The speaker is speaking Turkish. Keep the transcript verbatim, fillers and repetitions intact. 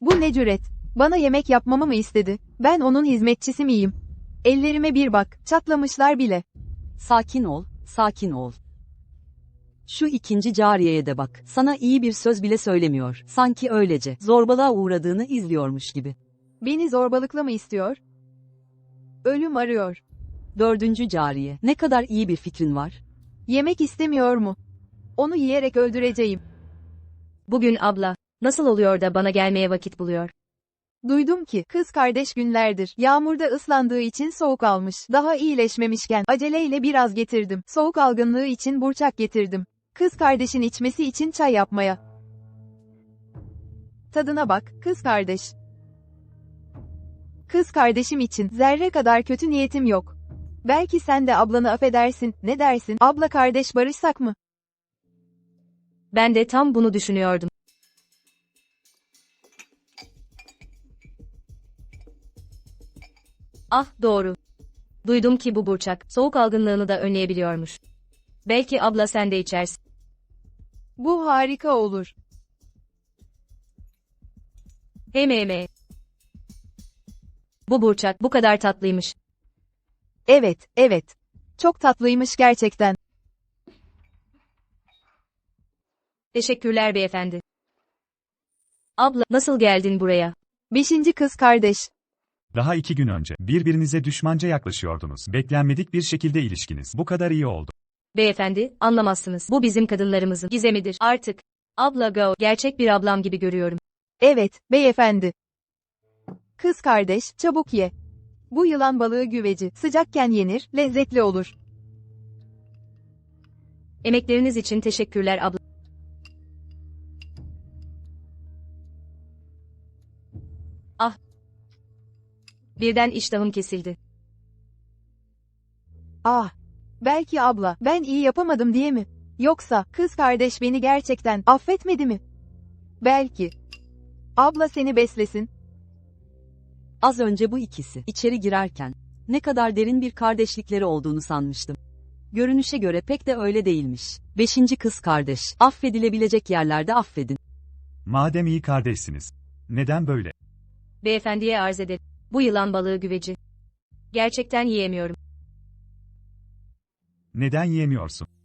Bu ne cüret? Bana yemek yapmamı mı istedi? Ben onun hizmetçisi miyim? Ellerime bir bak, çatlamışlar bile. Sakin ol, sakin ol. Şu ikinci cariyeye de bak. Sana iyi bir söz bile söylemiyor. Sanki öylece zorbalığa uğradığını izliyormuş gibi. Beni zorbalıkla mı istiyor? Ölüm arıyor. Dördüncü cariye. Ne kadar iyi bir fikrin var. Yemek istemiyor mu? Onu yiyerek öldüreceğim. Bugün abla, nasıl oluyor da bana gelmeye vakit buluyor? Duydum ki, kız kardeş günlerdir, yağmurda ıslandığı için soğuk almış. Daha iyileşmemişken, aceleyle biraz getirdim. Soğuk algınlığı için burçak getirdim. Kız kardeşin içmesi için çay yapmaya. Tadına bak, kız kardeş. Kız kardeşim için, zerre kadar kötü niyetim yok. Belki sen de ablanı affedersin, ne dersin? Abla kardeş barışsak mı? Ben de tam bunu düşünüyordum. Ah, doğru. Duydum ki bu burçak, soğuk algınlığını da önleyebiliyormuş. Belki abla sen de içersin. Bu harika olur. Hem hem. Bu burçak bu kadar tatlıymış. Evet, evet. Çok tatlıymış gerçekten. Teşekkürler beyefendi. Abla, nasıl geldin buraya? Beşinci kız kardeş. Daha iki gün önce birbirinize düşmanca yaklaşıyordunuz. Beklenmedik bir şekilde ilişkiniz bu kadar iyi oldu. Beyefendi, anlamazsınız. Bu bizim kadınlarımızın gizemidir. Artık. Abla go, gerçek bir ablam gibi görüyorum. Evet, beyefendi. Kız kardeş, çabuk ye. Bu yılan balığı güveci, sıcakken yenir, lezzetli olur. Emekleriniz için teşekkürler abla. Ah. Birden iştahım kesildi. Ah. Belki abla, ben iyi yapamadım diye mi? Yoksa, kız kardeş beni gerçekten affetmedi mi? Belki. Abla seni beslesin. Az önce bu ikisi içeri girerken ne kadar derin bir kardeşlikleri olduğunu sanmıştım. Görünüşe göre pek de öyle değilmiş. Beşinci kız kardeş. Affedilebilecek yerlerde affedin. Madem iyi kardeşsiniz. Neden böyle? Beyefendiye arz ederim. Bu yılan balığı güveci. Gerçekten yiyemiyorum. Neden yiyemiyorsun?